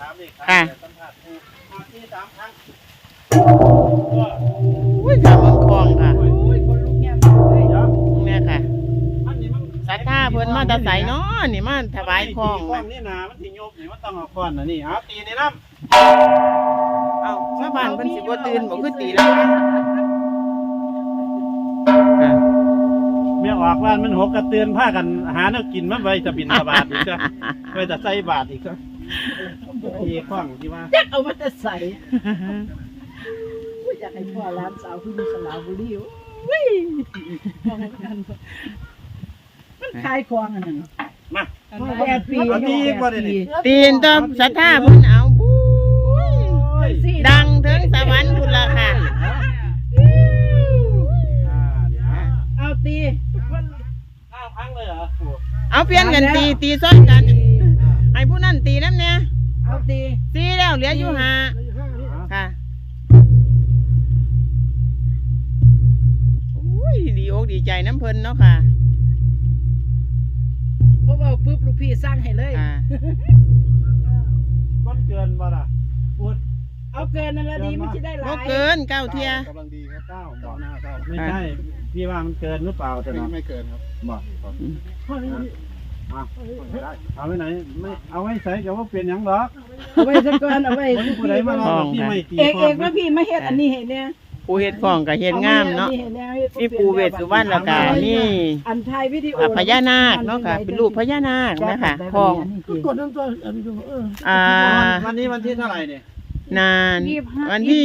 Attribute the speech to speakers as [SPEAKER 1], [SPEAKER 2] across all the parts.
[SPEAKER 1] ค่ะ
[SPEAKER 2] ที่3 ครั้ง
[SPEAKER 1] อุ้ยค่ะเมืองคลองค่ะ
[SPEAKER 3] อุ้ยคนลุกเงียบเลย
[SPEAKER 1] เนี่ยค่ะศรัทธาเพิ่นมาแตะไสเนาะนี่มาถวายคลอง
[SPEAKER 2] คลองนี่นามันสิโยบนี่มันต้องเอาก้อนน่ะนี่เอาตีในน้ำ
[SPEAKER 1] เอ้าชาวบ้านเพิ่นสิบ่ตื่นบ่คือตีแล้วค่ะ
[SPEAKER 2] เมียออกบ้านมันหกกระเตือนผ้ากันหาแนวกินมาไว้จะบินบาทอีกจ้ะไว้จะใส่บาทอีกจ้ะอีกข้องที่ว่า
[SPEAKER 3] จักเอามาแต่ใส่อุ้ยอยากให้พ่อร้านสาวที่อยู่สระบุรีอุ้ยพ่อกันมันขายของอันนั้น
[SPEAKER 2] มา
[SPEAKER 3] 8 ปี
[SPEAKER 2] เอาตีบ่ได้นี่
[SPEAKER 1] ตีนต้องศรัทธาเพิ่นเอาบุ้ยดังถึงสวรรค์พุ่นล่ะค่ะ
[SPEAKER 3] เอาตี
[SPEAKER 2] 9 ครั้งเลยเหรอ
[SPEAKER 1] เอาเปลี่ยนกันตีซ้อนกันให้ผู้นั้นตีนำเนี่ย
[SPEAKER 3] เอาตี
[SPEAKER 1] ตีแล้วเหลืออยู่ห้าค่ะอุ้ยดีอกดีใจน้ำเพิ่นเนาะค่ะ
[SPEAKER 3] เพราะว่าปุ๊บลูกพี่สร้างให้เลย
[SPEAKER 1] ค่ะ
[SPEAKER 2] มันเกินบ่ล่ะพูด
[SPEAKER 3] เอาเกินนั่นละดีมันจะได้หลา
[SPEAKER 1] บ่
[SPEAKER 3] ย
[SPEAKER 1] เกิน9เที่ย
[SPEAKER 4] กำลังดีครับ9ต่อหน้า9
[SPEAKER 2] ไม่ใช่พี่ว่ามันเกินหรือเปล่าแต่เนาะ
[SPEAKER 4] ไม่เกินครับ
[SPEAKER 2] บอก
[SPEAKER 4] ไม่ได้
[SPEAKER 2] เอาไว้ไหนไม่เอาไว้ใส่กับว่าเปลี่ยนหยังหรอก
[SPEAKER 3] เอาไว้ซะก่อนเอาไว้
[SPEAKER 2] วันนี้ผู้ใดมาลองพี่ไม่ตี
[SPEAKER 3] เอกว่าพี่มาเฮ็ดอันนี้เห็นเนี่ย
[SPEAKER 1] ผู้เฮ็ดของก็เฮ็ดงามเนาะมีปู่เวสสุวรรณแล้วก็มี
[SPEAKER 3] อันไทยวิดีโอ
[SPEAKER 1] พญานาคเนาะค่ะเป็นรูปพญานาคนะคะของ
[SPEAKER 3] กดน้ำตัวอันนี้ดู
[SPEAKER 2] วันนี้วันที่เท่าไหร่เนี่ย
[SPEAKER 1] นานวันที่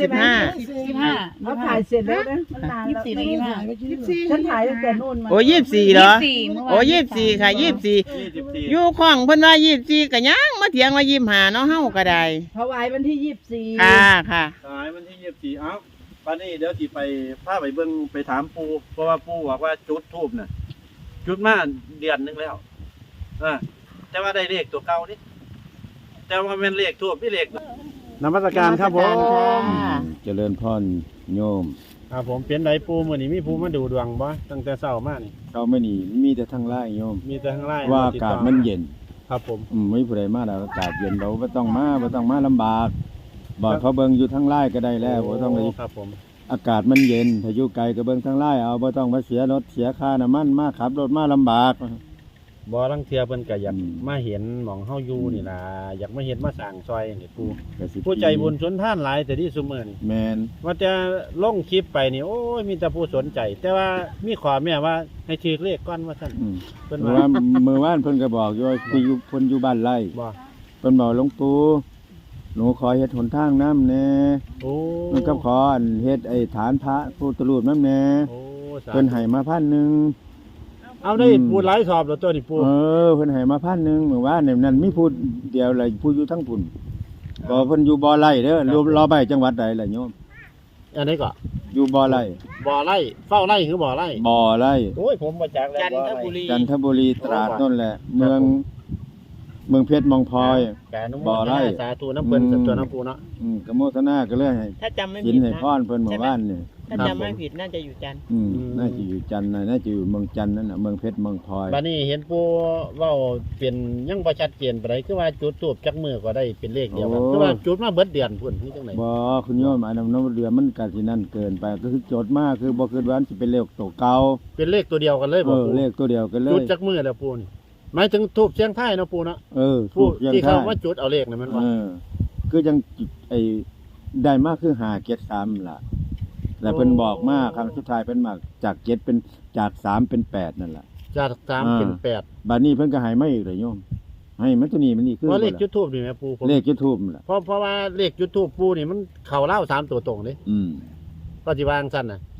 [SPEAKER 1] 25
[SPEAKER 3] เขาถ่ายเสร็จแล้วนะมันนานแล้วฉันถ่ายตั้งแต่นู่นมา
[SPEAKER 1] โอ้24เหรอโอ้24ค่ะ24
[SPEAKER 2] 24
[SPEAKER 1] อยู่ของเพิ่นว่า24ก็ยังมาเถียงว่า25เนาะเฮาก็ได้
[SPEAKER 3] ถวายวันที่24
[SPEAKER 1] ค่ะค่ะ
[SPEAKER 2] สายวันที่24เอ้าวันนี้เดี๋ยวสิไปพาไปเบิ่งไปถามปู่เพราะว่าปู่บอกว่าจุดธูปน่ะจุดมาเดือนนึงแล้วแต่ว่าได้เลขตัวเก่านี่แต่ว่าเป็นเลขธูปพี่เลขนมัสการครับผม
[SPEAKER 4] เจริญพรโยม
[SPEAKER 2] ครับผมเป็นไรปู่มื้อนี้มีผู้มาดูดวงบ่ตั้งแต่เช้ามานี่
[SPEAKER 4] เราไม่หนีมีแต่ทางไล่โยม
[SPEAKER 2] มีแต่ข้างล่าง
[SPEAKER 4] ว่าอากาศมันเย็น
[SPEAKER 2] ครับผม
[SPEAKER 4] ไม่ผู้ใดมาแล้วอากาศเย็นเราไม่ต้องมาลำบากบอกเขาเบิ่งอยู่ทางไล่ก็ได้แล้วบ่ต้องเลย
[SPEAKER 2] ครับผม
[SPEAKER 4] อากาศมันเย็นถ้าอยู่ไกลก็เบิ่งทางไล่เอาบ่ต้องมาเสียรถเสียค่าน้ำมันมาขับรถมาลำบาก
[SPEAKER 2] บ่ลังเทื่อเพิ่นก็อยาก
[SPEAKER 4] อืม
[SPEAKER 2] มาเห็นหม่องเฮาอยู่นี่ล่ะอยากมาเห็นมาสร้างซอยนี่ปู่
[SPEAKER 4] ก็สิ
[SPEAKER 2] ผู้ใจบุญชนท่านหลายแต่ที่ซุมื้อนี่
[SPEAKER 4] แมน
[SPEAKER 2] ว่าจะลงคลิปไปนี่โอ้ยมีแต่ผู้สนใจ แต่ว่ามีขอแม่ว่าให้ถือเลขก่อนว่าซั่น
[SPEAKER 4] อืม
[SPEAKER 2] เพิ่น
[SPEAKER 4] เมื่อ
[SPEAKER 2] ว่า
[SPEAKER 4] วานเมื่อวานเพิ่นก็บอกอยู่ว่าพี่อยู่เพิ่นอยู่บ้านไร่
[SPEAKER 2] บ่
[SPEAKER 4] เพิ่นบอกหลวงปู่หนูขอเฮ็ดหนทางน้ำแน่
[SPEAKER 2] โอ้
[SPEAKER 4] มันก็ขออันเฮ็ดไอ้ฐานพระพุทธรูปน้ำแน่
[SPEAKER 2] โอ้สาธุ
[SPEAKER 4] เพิ่นให้มา1,000
[SPEAKER 2] เอาได้ปูหลายสอบแล้วตัวนี่ปู
[SPEAKER 4] เพิ่นให้มา1,000เมื่อวานนี่นั่นมีผู้เดียวเลยผู้อยู่ทั้งพุ่นบ่เพิ่นอยู่บ่อไร่เด้อรอไปจังหวัดใดล่ะโยม
[SPEAKER 2] อันนี้ก็
[SPEAKER 4] อยู่บ่อไร่
[SPEAKER 2] บ่อไร่เฝ้าไร่คือบ่อไร่
[SPEAKER 4] บ่อไร่
[SPEAKER 2] โอ้ยผมบ่จักแล้ว
[SPEAKER 1] จัน
[SPEAKER 2] บ่อ
[SPEAKER 1] ท
[SPEAKER 2] ไร่
[SPEAKER 1] บุรี
[SPEAKER 4] จันทบุรีตราดนั่นแหละ เมืองเพชรเมองพลอย
[SPEAKER 2] แกนุโม
[SPEAKER 4] บ่อ
[SPEAKER 2] ท
[SPEAKER 4] ไร่
[SPEAKER 2] นาสาธุน้ำเพิ่นสัตว์ตัวน้ำปูเนาะ
[SPEAKER 4] กโมทนาก็เลยให้
[SPEAKER 1] ถ้าจำไม่
[SPEAKER 4] กิ
[SPEAKER 1] ผิ
[SPEAKER 4] น
[SPEAKER 1] ด
[SPEAKER 4] ให้
[SPEAKER 1] นะ
[SPEAKER 4] พรเพิ่นหมู่บ้านนี่
[SPEAKER 1] ถ้าจำไม่ผิดน่าจะอยู่จันทร์
[SPEAKER 4] น่าจะอยู่จันทน์น่าจะอยู่เมืองจันทน์นั่นน่ะเมืองเพชรเมืองพลอย
[SPEAKER 2] บัดนี้เห็นปูเว้าเป็นยังบ่ชัดเจนปานใดคือว่าจุดทูบจักมือก็ได้เป็นเลขเดียวกันคือว่าจุดมาเบิดเดือนพุ่นคือจังได๋
[SPEAKER 4] บ่คุณโยมอันนั้นน้ำเรือมันก็สินั่นเกินไปก็คือโจทย์มากคือบ่คือว่ามันสิเป็นเลขตัวเก่า
[SPEAKER 2] เป็นเลขตัวเดียวกันเลยบ่ปู
[SPEAKER 4] เลขตัวเดียวกันเล
[SPEAKER 2] จุด
[SPEAKER 4] ย
[SPEAKER 2] จักมือแล้วปูนี่หมายถึงทูบเสียงไทายเนาะปูเนาะ
[SPEAKER 4] ถู
[SPEAKER 2] ผู้
[SPEAKER 4] กยัง
[SPEAKER 2] ที่เขา
[SPEAKER 4] ท่า
[SPEAKER 2] ว่าจุดเอาเลขนี่มันว่า
[SPEAKER 4] คือยังไอ้ได้มากคือ5เกต3ล่ะแล้วเพิ่นบอกมาครั้งสุดท้ายเพิ่นมาจาก7เป็นจาก3เป็น8นั่นล่ะ
[SPEAKER 2] จาก3เป็น8
[SPEAKER 4] บัดนี้เพิ่นก็ให้มาอีกเลยโยมให้มันตัวนี้มันนี่คือ
[SPEAKER 2] เพราะเลขจุดทูบนี่แม่ปูผม
[SPEAKER 4] เลข YouTube นั่นล่ะ
[SPEAKER 2] เพราะว่าเลขจุดทูบปูนี่มันเข้าเล่า3ตัวตรงเด้ ก็สิวางซั่นน่ะ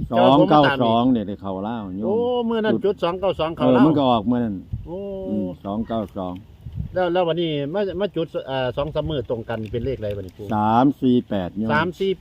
[SPEAKER 4] 292เนี่ยได้เข้าลาวโยม
[SPEAKER 2] โอ้มื้อนั้นจุด292เข้า
[SPEAKER 4] เออ
[SPEAKER 2] เล่า
[SPEAKER 4] มันก็ออกมื้อนั้น
[SPEAKER 2] โอ้
[SPEAKER 4] 292
[SPEAKER 2] แล้ววันนี้มาจุด2-3มื้อตรงกันเป็นเลขอะไรบัดนี้ปู
[SPEAKER 4] 348โยม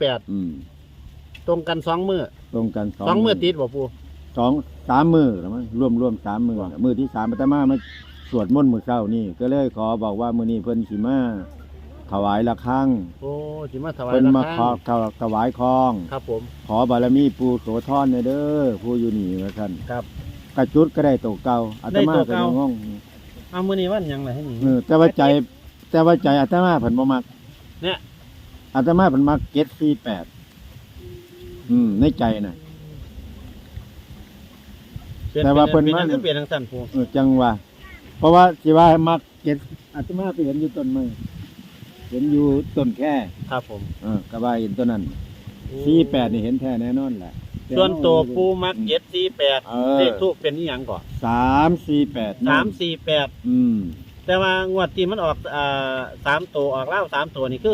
[SPEAKER 2] 348ตรงกัน2มื้อ
[SPEAKER 4] ตรงกัน
[SPEAKER 2] 2มื้อติดบ่ปู
[SPEAKER 4] 3มื้อแล้วมั้งรวม3มื้อน่ะมื้อที่3อาตมามาสวดมนต์มื้อเช้านี่ก็เลยขอบอกว่ามื้อนี้เพิ่นสิมาถวายระฆัง
[SPEAKER 2] โอ้สิมาถวาย
[SPEAKER 4] เพิ่น
[SPEAKER 2] ระ
[SPEAKER 4] มา
[SPEAKER 2] ฆั
[SPEAKER 4] ของ ถวายคอง
[SPEAKER 2] ครับผม
[SPEAKER 4] ขอบารมีปู่โสธรเด้อผู้อยู่นี่ว่าซั่น
[SPEAKER 2] ครับ
[SPEAKER 4] กระจุดก็ได้ตัวเก่าอาตมา
[SPEAKER 2] ได้ตัว
[SPEAKER 4] ก็
[SPEAKER 2] เก่า
[SPEAKER 4] ยังงง
[SPEAKER 2] เอามื้อนี้วันหยังล่ะให้นี่
[SPEAKER 4] แต่ว่าใจแต่ว่าใจอาตมาเพิ่นบ่มัก
[SPEAKER 2] เนี่ย
[SPEAKER 4] อาตมาเพิ่นมัก748ในใจน่ะ แต่ว่าเพิ่น
[SPEAKER 2] เป็น
[SPEAKER 4] มา
[SPEAKER 2] หยังคือเปลี่ยนทางสั้นปู
[SPEAKER 4] จังว่า เพราะว่าสิว่ามักอาตมาไปเห็นอยู่ต้นไม้เห็นอยู่ต้นแค่
[SPEAKER 2] ครับผม
[SPEAKER 4] ก็ว่าเห็นต้นนั้น48นี่เห็นแท้แน่นอนแหละ
[SPEAKER 2] ส่วนตัวปูมัก748
[SPEAKER 4] เออ
[SPEAKER 2] เลขทูปเป็นอีหยังก่อน
[SPEAKER 4] 348
[SPEAKER 2] 348แต่ว่างวดที่มันออก3ตัวออกแล้ว3ตัวนี่คือ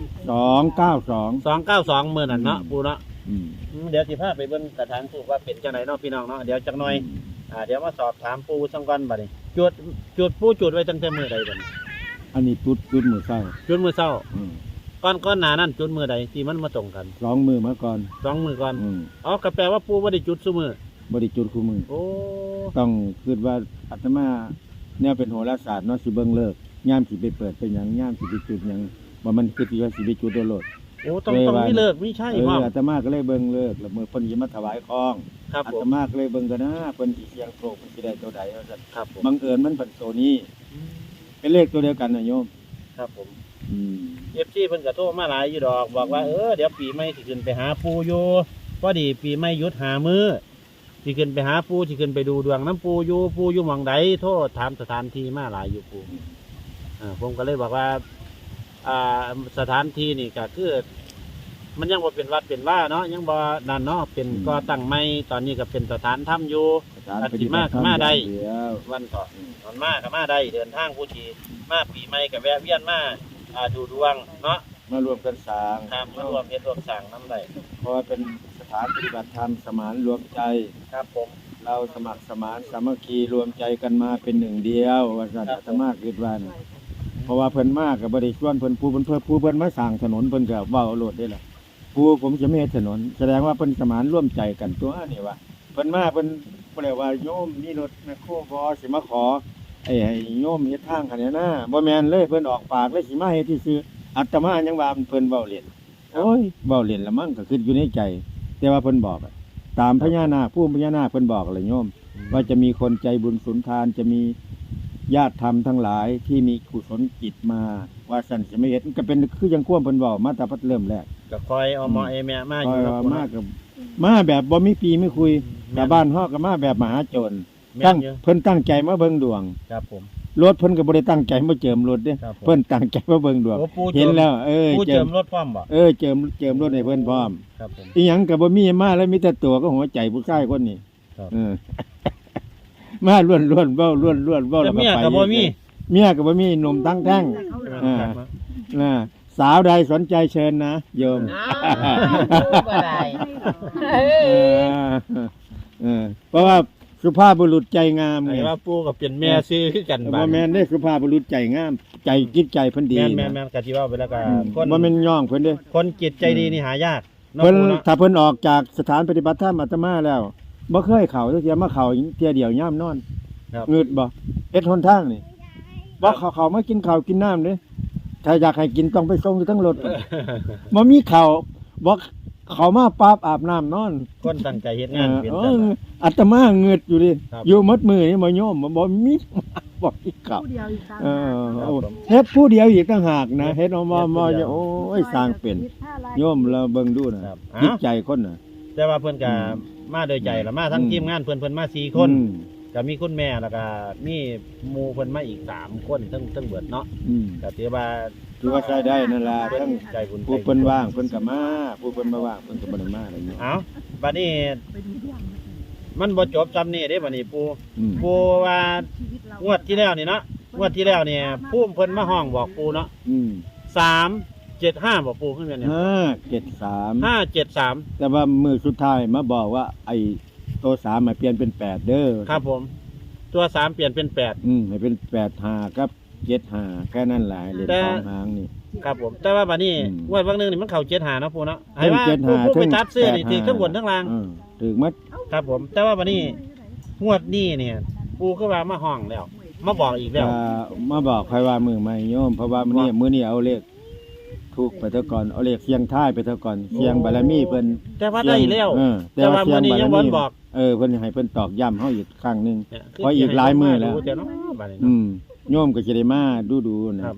[SPEAKER 4] 292
[SPEAKER 2] 292มื้อนั้นเนาะปูเนาะ
[SPEAKER 4] อืม
[SPEAKER 2] เดี๋ยวสิพาไปเบิ่งสถานทูปว่าเป็นจังไดเนาะพี่น้องเนาะเดี๋ยวจักหน่อยเดี๋ยวมาสอบถามปูสังก่อนบัดนี้จุดปูจุดไว้ตั้งแต่มื้อใดบัดนี้
[SPEAKER 4] อันนี้จุดมือเศร้า
[SPEAKER 2] จุดมื้อเช้า
[SPEAKER 4] อืม
[SPEAKER 2] ก่อนหน้านั้นจุดมื้อใดที่มันมาตรงกัน
[SPEAKER 4] 2 มือมาก่อน
[SPEAKER 2] 2มื้อก่อน
[SPEAKER 4] อืม
[SPEAKER 2] อ๋อก็แปลว่าปูบ่ได้จุดซุมื้อ
[SPEAKER 4] บ่ได้จุดคู่มือ
[SPEAKER 2] โอ้
[SPEAKER 4] ต้องคิดว่าอาตมาเนี่ยเป็นโหราศาสตร์เนาะสิเบิ่งเลิกย่ามสิไปเปิดเป็นหยังย่ามสิไปจุดหยังว่ามันคือสิว่าสิไปจุดโดนโลด
[SPEAKER 2] โอ้ต้องมีเลิกมีใช่พ่อ
[SPEAKER 4] อาตมาก็เลยเบิ่งเลิกแล้วมื้อเพิ่นสิมาถวายของ
[SPEAKER 2] ครับ
[SPEAKER 4] อา
[SPEAKER 2] ผ
[SPEAKER 4] ต
[SPEAKER 2] ม
[SPEAKER 4] มาก็เลยเบิ่งกันนะเพิ่นสิเสียงโชคเพิ่นสิได้ตัวใดว่าซั่น
[SPEAKER 2] ครับผม
[SPEAKER 4] บังเอิญมันเป็นตัวนี้ เป็นเลขตัวเดียวกันนะโยม
[SPEAKER 2] ครับผม
[SPEAKER 4] อืม
[SPEAKER 2] FC เพิ่นก็โทรมาหลายอยู่ดอกบอกว่าเดี๋ยวปีใหม่สิขึ้นไปหาปูอยู่พอดีปีใหม่หยุดหามื้อสิขึ้นไปหาปูสิขึ้นไปดูดวงน้ำปูอยู่หม่องใดโทรถามสถานที่มาหลายอยู่ปูผมก็เลยบอกว่าสถานที่นี่ก็คือมันยังบ่เป็นวัดเป็นว่าเนาะยังบ่นั่นเนาะเป็นก่อตั้งใหม่ตอนนี้ก็เป็นสถานถ้ำอยู่ อันสิมากมาได้
[SPEAKER 4] เดี๋ยว
[SPEAKER 2] วันก่อนตอนมาก็มาได้เดินทางผู้ที่มาปีใหม่ก็แวะเวียนมาดูดวงเนาะ
[SPEAKER 4] มารวมกันสร้าง
[SPEAKER 2] ครับมารวมเฮ็ดร่วมสร้างน้ำได้
[SPEAKER 4] เพราะว่าเป็นสถานปฏิบัติธรรมสมานรวมใจ
[SPEAKER 2] ครับผม
[SPEAKER 4] เราสมัครสมานสามัคคีรวมใจกันมาเป็นหนึ่งเดียวว่าซั่นอาตมาคิดว่านะเพราะว่าเพิ่นมาก็บ่ได้ชวนเพิ่นผู้เพิ่นมาสร้างถนนเพิ่นก็เว้าโลดได้ล่ะผู้ผมจะไม่เฮ็ดถนน แสดงว่าเพิ่นสมานร่วมใจกันตัวนี่ว่าเพิ่นมาเพิ่นบ่ได้ว่าโยมมีรถแมคโครบ่สิมาขอให้โยมเฮ็ดทางคันนี้นะบ่แม่นเลยเพิ่นออกปากเลยสิมาเฮ็ดซื่อๆอาตมายังว่าเพิ่นเว้าเล่นโอ้ยเว้าเล่นละมั้งก็คิดอยู่ในใจ แต่ว่าเพิ่นบอกอะตามพญานาคผู้พญานาคเพิ่นบอกเลยโยม ว่าจะมีคนใจบุญสุนทานจะมีญาติธรรมทั้งหลายที่มีกุศลจิตมาว่าสันสิไม่เห็นก็เป็นคือยังควมเพิ่นเว้ามาแต่พัดเริ่มแรก
[SPEAKER 2] ก็คอยเอาหมอเอแม่มาอยู่
[SPEAKER 4] ก็
[SPEAKER 2] ครับ
[SPEAKER 4] มากับมาแบบบ่มีปีไม่คุยแต่บ้านฮอกก็มาแบบมหาโจร
[SPEAKER 2] แม่
[SPEAKER 4] ตั้ง
[SPEAKER 2] นอยู่
[SPEAKER 4] เพิ่นตั้งใจมาเบิ่งดวง
[SPEAKER 2] ครับผม
[SPEAKER 4] รถเพิ่นก็บ่ได้ตั้งใจมาเจิมรถเด้
[SPEAKER 2] ครับผม
[SPEAKER 4] เพิ่นตั้งใจมาเบิ่งดวง
[SPEAKER 2] โอ้ปู
[SPEAKER 4] เห็นแล้ว
[SPEAKER 2] ปู
[SPEAKER 4] เจิ
[SPEAKER 2] เจิ
[SPEAKER 4] ม
[SPEAKER 2] มรถพร้อมบ่
[SPEAKER 4] เจิมรถให้เพิ่นพร้อม
[SPEAKER 2] ครับผม
[SPEAKER 4] อีหยังก็บ่มีมาแล้วมีแต่ตัวก็หัวใจผู้ชายคนนี้
[SPEAKER 2] ครับ
[SPEAKER 4] มาล้วนเว้าล้วนเว้า
[SPEAKER 2] แต่
[SPEAKER 4] แล้วก็
[SPEAKER 2] เมีย
[SPEAKER 4] ไป
[SPEAKER 2] ก็บ่มี
[SPEAKER 4] เมียก็บ่มีหนุ่มตั้งแท่ง นะสาวใดสนใจเชิญนะโยม
[SPEAKER 1] อ้าวบ่ได้
[SPEAKER 4] เพราะว่าสุภาพบุรุษใจงาม
[SPEAKER 2] ไอ้
[SPEAKER 4] ไง
[SPEAKER 2] ว่าปูก็เป็นแม่ซื้อคือกัน
[SPEAKER 4] บ่แม่นได้สุภาพบุรุษใจงาม ใจจิตใจเพิ่นดี
[SPEAKER 2] แม่
[SPEAKER 4] นะ
[SPEAKER 2] นก็สิว่าไปแล้วก็คน
[SPEAKER 4] บ่แม่นย่องเพิ่นเด้
[SPEAKER 2] คนจิตใจดีนี่หายากเนาะ
[SPEAKER 4] เพิ่น
[SPEAKER 2] ปูเนาะ
[SPEAKER 4] ถ้าเพิ่นออกจากสถานปฏิบัติธรรมอาตมาแล้วบ่เคยเข้าจักเที่ยมาเข้าเที่ยเดียวยามนอน
[SPEAKER 2] ครับ
[SPEAKER 4] งึดบ่เฮ็ดหนทางนี่บ่เข้ามากินข้าวกินน้ำเด้ถ้าอยากให้กินต้องไปส่งอยู่ทั้งรถบ่มีข้าวบ่เข้ามาปั๊บอาบน้ำนอน
[SPEAKER 2] คนตั้งใจเฮ็ดงานเป็น
[SPEAKER 4] เอ
[SPEAKER 2] จัง
[SPEAKER 4] ออาตมาเงือดอยู่ดิ
[SPEAKER 2] ครับ
[SPEAKER 4] อยู่มัดมือนี่บ่โยมบ่มีบอกอีกกับ
[SPEAKER 3] ผู้เดียวอีกครั้ง
[SPEAKER 4] เออ
[SPEAKER 2] ครับผม
[SPEAKER 4] เฮ็ดผู้เดียวอีกต่างหากนะเฮ็ดออกมาโอ้ยสร้างเป็นโยมเราเบิ่งดูนะครับ จิตใจคนน่ะ
[SPEAKER 2] แต่ว่าเพิ่นก็มาโดยใจละมาทั้ง
[SPEAKER 4] อืม
[SPEAKER 2] ทีมงานเพิ่นมา4คน
[SPEAKER 4] อืม
[SPEAKER 2] ก็มีคุณแม่แล้วก็มีหมู่เพิ่นมาอีก3คนทั้งเบิดเนาะ
[SPEAKER 4] อืม
[SPEAKER 2] ก็ถือว่า
[SPEAKER 4] ถือว่าใช้ได้นั่นล่ะทั้ง
[SPEAKER 2] ใจบุญ
[SPEAKER 4] ผู้เพิ่นว่างเพิ่นก็มาผู้เพิ่นบ่ว่างเพิ่นก็บ่ได้มาอะไรเงี้ย
[SPEAKER 2] เอ้าบัดนี้
[SPEAKER 3] ไปดูเรื่อง
[SPEAKER 2] มันบ่จบซ้ำนี่เด้บัดนี้ปู่
[SPEAKER 4] อืม
[SPEAKER 2] ปู่ว่า
[SPEAKER 3] ชีวิตเรา
[SPEAKER 2] งวดที่แล้วนี่เนาะงวดที่แล้วเนี่ยผู้เพิ่นมาห้องบอกปู่เนาะ
[SPEAKER 4] อืม
[SPEAKER 2] 375บอกปู่ขึ้นมาเนี่ย
[SPEAKER 4] 573
[SPEAKER 2] 573
[SPEAKER 4] แต่ว่ามือสุดท้ายมาบอกว่าไอ้ตัว3มาเปลี่ยนเป็น8เด้อ
[SPEAKER 2] ครับผม ตัว3เปลี่ยนเป็น8
[SPEAKER 4] ให้เป็น85กับ75แค่นั้นแหละเหรียญ
[SPEAKER 2] แต่
[SPEAKER 4] ทองหางนี่
[SPEAKER 2] ครับผมแต่ว่าบัดนี้
[SPEAKER 4] อืม
[SPEAKER 2] งวดวันหนึงนี่มันเข้า75เนาะปู่เนาะให้ว่า
[SPEAKER 4] เจ็ด
[SPEAKER 2] ผู้
[SPEAKER 4] ห้า
[SPEAKER 2] ผู้ไป
[SPEAKER 4] ถึง
[SPEAKER 2] ตัดซื้อนี่
[SPEAKER 4] 85
[SPEAKER 2] ถือทั้งบนทั้งล่าง
[SPEAKER 4] ถึงมัด
[SPEAKER 2] ครับผม แต่ว่าบัดนี้งวดนี้เนี่ยปู่คือว่ามาห้องแล้ว มาบอกอีกแล้ว
[SPEAKER 4] มาบอกใครว่ามือใหม่โยมเพราะว่ามื้อนี้เอาเลขถูกไปเท่าก่อนเอาเลขเสียงท้ายไปเท่าก่อนเสียงบารมีเพิ่น
[SPEAKER 2] แต่ว่าได้แล้ว
[SPEAKER 4] แต่ว่า
[SPEAKER 2] แต่ว่ามื้อนี้ยังบ่บอก
[SPEAKER 4] เพิ่นให้เพิ่นตอกย้ำเฮาอีกครั้งหนึง
[SPEAKER 2] เนี่ย
[SPEAKER 4] เพราะอีกหลายมื้อแล้ว
[SPEAKER 2] รู้แต่เนาะบัดนี้
[SPEAKER 4] อื
[SPEAKER 2] เนาะ
[SPEAKER 4] มโยมก็สิได้มาดูๆนะครับ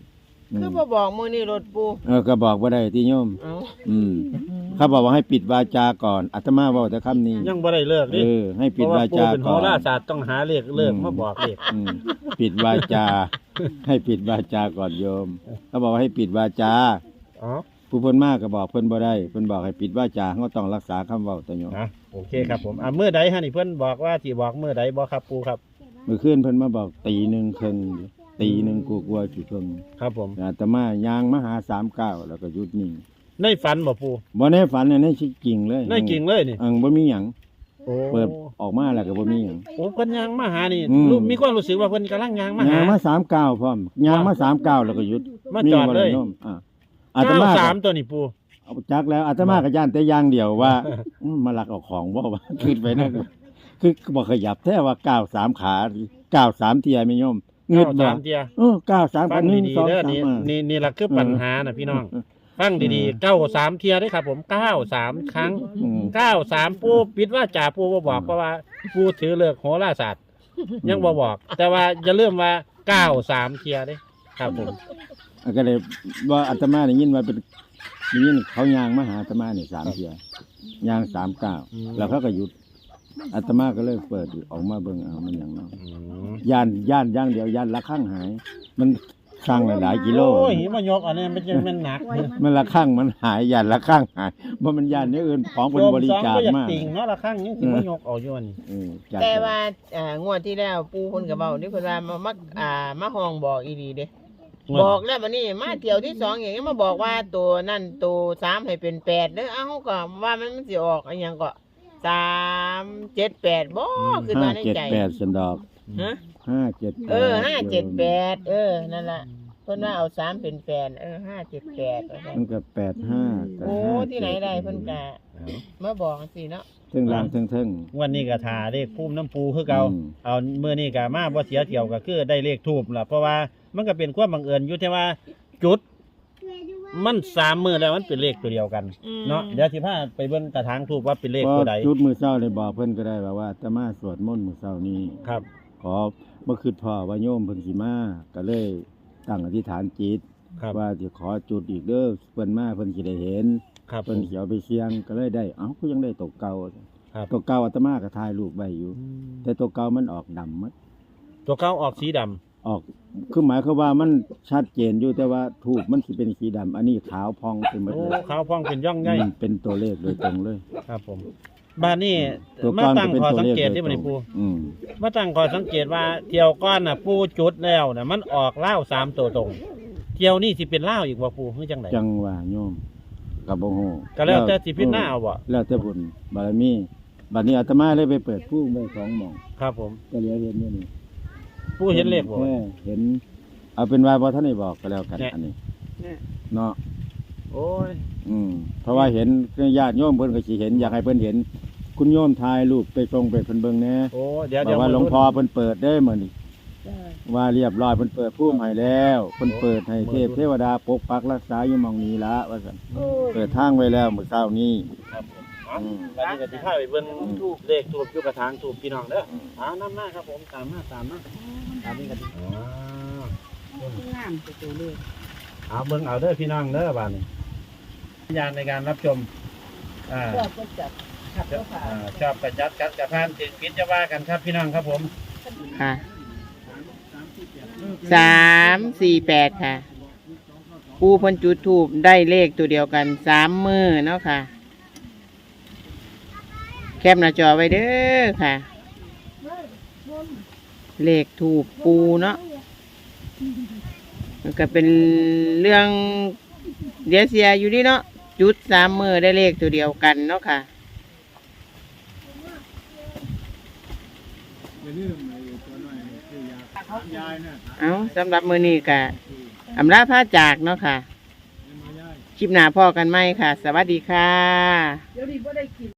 [SPEAKER 1] คือบ่บอกมื้อนี้รถปู
[SPEAKER 4] ก็บอกบ่ได้ที่โยม
[SPEAKER 1] เอ้า
[SPEAKER 4] เขาบอกว่าให้ปิดวาจาก่อนอาตมาเว้าแต่คำนี้
[SPEAKER 2] ยังบ่ได้เลิกดิ
[SPEAKER 4] ให้ปิด
[SPEAKER 2] เพราะ
[SPEAKER 4] วา
[SPEAKER 2] ว่าปู
[SPEAKER 4] จาก่อน
[SPEAKER 2] เป็นโหราศาสตร์ต้องหาเลขเลิกมาบอกเลข
[SPEAKER 4] ปิดวาจา ให้ปิดวาจาก่อนโยม เขาบอกว่าให้ปิดวาจา
[SPEAKER 2] อ๋อ
[SPEAKER 4] ผู้เพิ่นมากก็บอกเพิ่นบ่ได้เพิ่นบอกให้ปิดวาจาเขาต้องรักษาคำเว้าตะโยม
[SPEAKER 2] โอเคครับผมมื้อใดฮะนี่เพิ่นบอกว่าสิบอกมื้อใดบ่ครับปูครับ
[SPEAKER 4] เมื่อคืนเพิ่นมาบอกตีหนึ่งครึ่งตีหนึ่งกลัวๆสิครึ่ง
[SPEAKER 2] ครับผม
[SPEAKER 4] อาตมายางมาหา39แล้วก็หยุดนิ่ง
[SPEAKER 2] ในฝันบ่ปู
[SPEAKER 4] บ่ได้ฝันในชีวิตจริงเลย
[SPEAKER 2] ในจริงเลยนี่
[SPEAKER 4] บ่มีหยัง
[SPEAKER 2] โอ้
[SPEAKER 4] เปิดออกมาแล้วก็บ่มีหยัง
[SPEAKER 2] โอ้เพิ่นยางมาหานี่
[SPEAKER 4] อืม
[SPEAKER 2] มีความรู้สึกว่าเพิ่นกำลังยางมาหาย
[SPEAKER 4] างมา39พร้อมยางมา39แล้วก็หยุด
[SPEAKER 2] มาจอดเลย
[SPEAKER 4] มีบ่โมอาตมาก็
[SPEAKER 2] 93ตัวนี่ปู
[SPEAKER 4] เอาจักแล้วอาตมาก็ย่านแต่อย่างเดียวว่า มาลักเอาของบ่ว่า ขึ้นไปนั่นคือบ่ขยับแท้ว่าก้าว3ขาก้าว3เที่ยแม่โยมเงิดบ่
[SPEAKER 2] 93เที่ย
[SPEAKER 4] ก้าว3
[SPEAKER 2] ฟั
[SPEAKER 4] กั
[SPEAKER 2] ง
[SPEAKER 4] น
[SPEAKER 2] ดีๆเด้อนี่ล่ะคือปัญหาน่ะพี่น้องฟังดีๆ93เที่ยเด้อครับผม93ครั้ง 93ปูปิดว่าจ่าปูบ่บอกเพราะว่าปูถือเลิกโหราศาสตร์ยังบ่บอก แต่ว่าอย่าลืมว่า93เที่ยเด้ครับผม
[SPEAKER 4] ก็เลยว่าอาตมาได้ยินว่าเป็นได้ยินเขายางมาหาอาตมานี่3เที่ยยาง39แล้วเขาก็หยุดอาตมาก็เลยเปิดออกมาเบิ่งเอามันหยังเนาะย่านอย่างเดียวย่านละข้างหาย มันข้างหลายๆกิโล
[SPEAKER 2] โอ้ยหิมายกอันนี้มันหนัก
[SPEAKER 4] มันละข้างมันหายย่านละข้างหายบ่มันย่านนี้อื่นของเป็นบริจาค
[SPEAKER 2] โยมสองก็อยาก
[SPEAKER 4] มาก
[SPEAKER 2] ติ่งเนาะละครั้งยังสิมายกเอาอยู่อันนี้
[SPEAKER 4] จัด
[SPEAKER 1] แต่ว่างวดที่แล้วปูเพิ่นก็เว้านี่เพิ่นว่ามาห้องบอกอีหลีเด้บอกแล้วบัดนี้มาเที่ยวที่2อย่างนี้มาบอกว่าตัวนั่นตัว3ให้เป็น8เด้อเอ้าก็ว่ามันสิออกอีหยังก็378บ่คือมาในใจ
[SPEAKER 4] 578สันดอก
[SPEAKER 1] ฮะ
[SPEAKER 4] 578
[SPEAKER 1] 578นั่นล่ะเพิ่นว่าเอา3เป็น8578ว่าซั่น
[SPEAKER 4] มันก็85
[SPEAKER 1] โอ้ที่ไหนได้เพิ่นก็มาบอกจังซี่เนาะ
[SPEAKER 4] ถึงล่างถึง
[SPEAKER 2] วันนี้ก็ทาเลขพุ่มน้ำปูคือเก่า
[SPEAKER 4] อืม
[SPEAKER 2] เอามื้อนี้ก็มาบ่เสียเที่ยวก็คือได้เลขทูบล่ะเพราะว่ามันก็เป็นความบังเอิญอยู่ที่ว่าจุด มัน3มื้อแล้วมันเป็นเลขตัวเดียวกันเนาะเดี๋ยวสิพาไปเบิ่งกระถางทูบว่าเป็นเลข
[SPEAKER 4] พอ
[SPEAKER 2] ตัวใด
[SPEAKER 4] จุดมื้อเช้าเลยบอกเพิ่นก็ได้ว่าอาตมาสวดมนต์มื้อเช้านี้
[SPEAKER 2] ครับ
[SPEAKER 4] ขอบ่คิดพ่อว่าโยมเพิ่นสิมาก็เลยตั้งอธิษฐานจิต
[SPEAKER 2] ครับ
[SPEAKER 4] ว่าสิขอจุดอีกเด้อเพิ่นมาเพิ่นสิได้เห็น
[SPEAKER 2] ครับ
[SPEAKER 4] เพิ่นสิเอาไปเสี่ยงก็เลยได้เอ้าก็ยังได้ตกเก่า
[SPEAKER 2] ครับ
[SPEAKER 4] ตกเก่าอาตมาก็ถ่ายรูปไว้อยู่ แต่ตัวเก่ามันออกดำหมด
[SPEAKER 2] ตัวเก่าออกสีดำ
[SPEAKER 4] ออกคือหมายความว่ามันชัดเจนอยู่แต่ว่าทูบมันสิเป็นสีดำอันนี้ขาวพองเป็นหมด
[SPEAKER 2] โอ้
[SPEAKER 4] เลย
[SPEAKER 2] ขาวพองเป็นย่องใหญ่
[SPEAKER 4] เป็นตัวเลขโดยตรงเลย
[SPEAKER 2] ครับผมบ้านนี้
[SPEAKER 4] ตัว
[SPEAKER 2] มา
[SPEAKER 4] ก้อน
[SPEAKER 2] ตั้
[SPEAKER 4] จะ
[SPEAKER 2] ง
[SPEAKER 4] เป็น
[SPEAKER 2] ข้อ
[SPEAKER 4] ตัว
[SPEAKER 2] สัง
[SPEAKER 4] เลข
[SPEAKER 2] เกต
[SPEAKER 4] โด
[SPEAKER 2] ที่
[SPEAKER 4] ย
[SPEAKER 2] มัน
[SPEAKER 4] ตร
[SPEAKER 2] นี่
[SPEAKER 4] ง
[SPEAKER 2] ปู
[SPEAKER 4] อืม
[SPEAKER 2] มาตั้งข้อสังเกตว่าเที่ยวก้อนน่ะปูจุดแล้วน่ะมันออกเล่าว3ตัวตรง เที่ยวนี่สิเป็นเล่าวอีกบ่ปูคือจังได
[SPEAKER 4] จังว่าโยมกับบ่ฮู้
[SPEAKER 2] ก็แล้วแต่สิพิจารณาเอาบ่
[SPEAKER 4] แล้วแต่บุญบารมีบัดนี้อาตมาเลยไปเปิดผู้ไว้2หม่อง
[SPEAKER 2] ครับผม
[SPEAKER 4] ก็เหลือเห็นอยู่นี่
[SPEAKER 2] ปูเห็นเลขบ่
[SPEAKER 4] แค่เห็น เอาเป็นว่าบ่ทันได้บอกก็แล้วกัน
[SPEAKER 2] เนี่ย
[SPEAKER 4] อันนี้เนาะ
[SPEAKER 2] โอ้ย
[SPEAKER 4] เพราะว่าเห็นญาติโยมเพิ่นก็สิเห็นอยากให้เพิ่นเห็น คุณโยมถ่ายรูปไปส่งไปเพิ่นเบิ่งแหน่
[SPEAKER 2] โอ้เดี๋ยว
[SPEAKER 4] บอกว่าหลวงพ่อเพิ่นเปิดได้มื้อนี้ว่าเรียบร้อยเพิ่นเปิดผู้ให้แล้วเพิ่นเปิดให้เทพเทวดาปกปักรักษาอยู่หม่องนี้ละว่าซั่นเปิดทางไว้แล้วมื้อเช้านี้
[SPEAKER 2] ครับผมวันนี้ก็สิพาไปเบิ่งทูบเลขทูบอยู่กระถางทูบพี่น้องเด้อนํมาครับผมตามมาตามนี้ก็ดี
[SPEAKER 3] งามตัวเลข
[SPEAKER 2] เอาเบิ่งเอาเด้อพี่น้องเด้อบ้านนี้สัญญาณในการรับชม
[SPEAKER 3] ชอบก็จัดขับก็ผ่าน
[SPEAKER 2] ชอบกระจัดกัดกระพานติดพิษจะว่ากันครับพี่น้องครับผม
[SPEAKER 1] ค่ะ348ค่ะปูเพิ่นจุดธูปได้เลขตัวเดียวกัน3มื้อเนาะค่ะ แคปหน้าจอไว้เด้อค่ะ เลขถูกปูเนาะมันก็เป็นเรื่องเดียเสียอยู่นี่เนาะจุด3มื้อได้เลขตัวเดียวกันเนาะค่ะเอาสำหรับมื้อนี้ก็อำลาพาจากเนาะค่ะ คลิปหน้าพ่อกันไหมค่ะ สวัสดีค่ะ
[SPEAKER 3] เดี๋ยวนี้บ่ได้กิน